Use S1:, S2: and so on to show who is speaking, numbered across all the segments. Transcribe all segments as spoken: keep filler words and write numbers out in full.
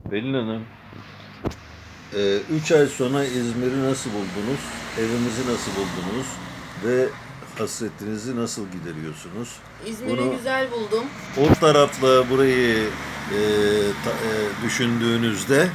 S1: Pelin Hanım, e, üç ay sonra İzmir'i nasıl buldunuz? Evimizi nasıl buldunuz? Ve hasretinizi nasıl gideriyorsunuz?
S2: İzmir'i
S1: Bunu
S2: güzel buldum.
S1: o tarafla burayı e, ta- e, düşündüğünüzde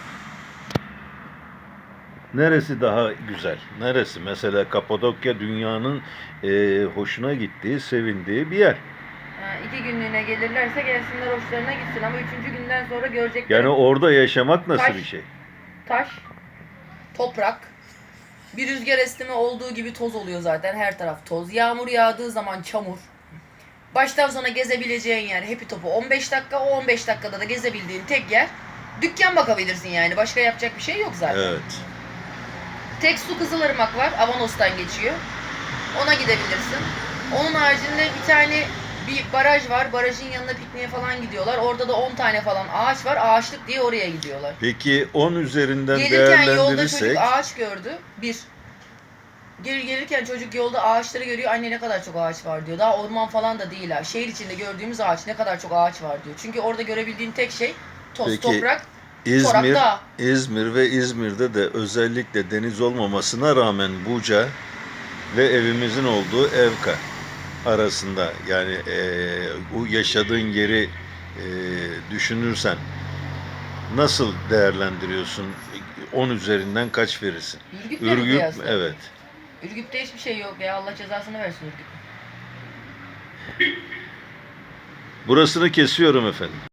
S1: neresi daha güzel? Neresi? Mesela Kapadokya dünyanın e, hoşuna gittiği, sevindiği bir yer.
S2: Ha, iki günlüğüne gelirlerse gelsinler hoşlarına gitsin ama üçüncü günden sonra
S1: Yani
S2: görecekleri
S1: orada yaşamak nasıl
S2: taş,
S1: bir şey?
S2: taş, toprak. Bir rüzgar esneme olduğu gibi toz oluyor zaten, her taraf toz. Yağmur yağdığı zaman çamur. Baştan sona gezebileceğin yer Happy Top'u on beş dakika, o on beş dakikada da gezebildiğin tek yer dükkan bakabilirsin yani. Başka yapacak bir şey yok zaten.
S1: Evet.
S2: Tek su Kızılırmak var, Avanos'tan geçiyor. Ona gidebilirsin. Onun haricinde bir tane bir baraj var. Barajın yanına pikniğe falan gidiyorlar. Orada da on tane falan ağaç var. Ağaçlık diye oraya gidiyorlar.
S1: Peki on üzerinden
S2: Gelirken yolda çocuk
S1: değerlendirirsek
S2: ağaç gördü. Bir. Geri gelirken çocuk yolda ağaçları görüyor. Anne ne kadar çok ağaç var diyor. Daha orman falan da değil ha. Şehir içinde gördüğümüz ağaç, ne kadar çok ağaç var diyor. Çünkü orada görebildiğin tek şey toz,
S1: Peki
S2: toprak, çorak,
S1: İzmir,
S2: dağ.
S1: İzmir ve İzmir'de de özellikle deniz olmamasına rağmen Buca ve evimizin olduğu Evka arasında yani eee o yaşadığın yeri eee, düşünürsen nasıl değerlendiriyorsun? On üzerinden kaç verirsin?
S2: Ürgüp'le mi
S1: Ürgüp,
S2: kıyasla?
S1: evet.
S2: Ürgüp'te hiçbir şey yok ya. Allah cezasını versin Ürgüp.
S1: Burasını kesiyorum efendim.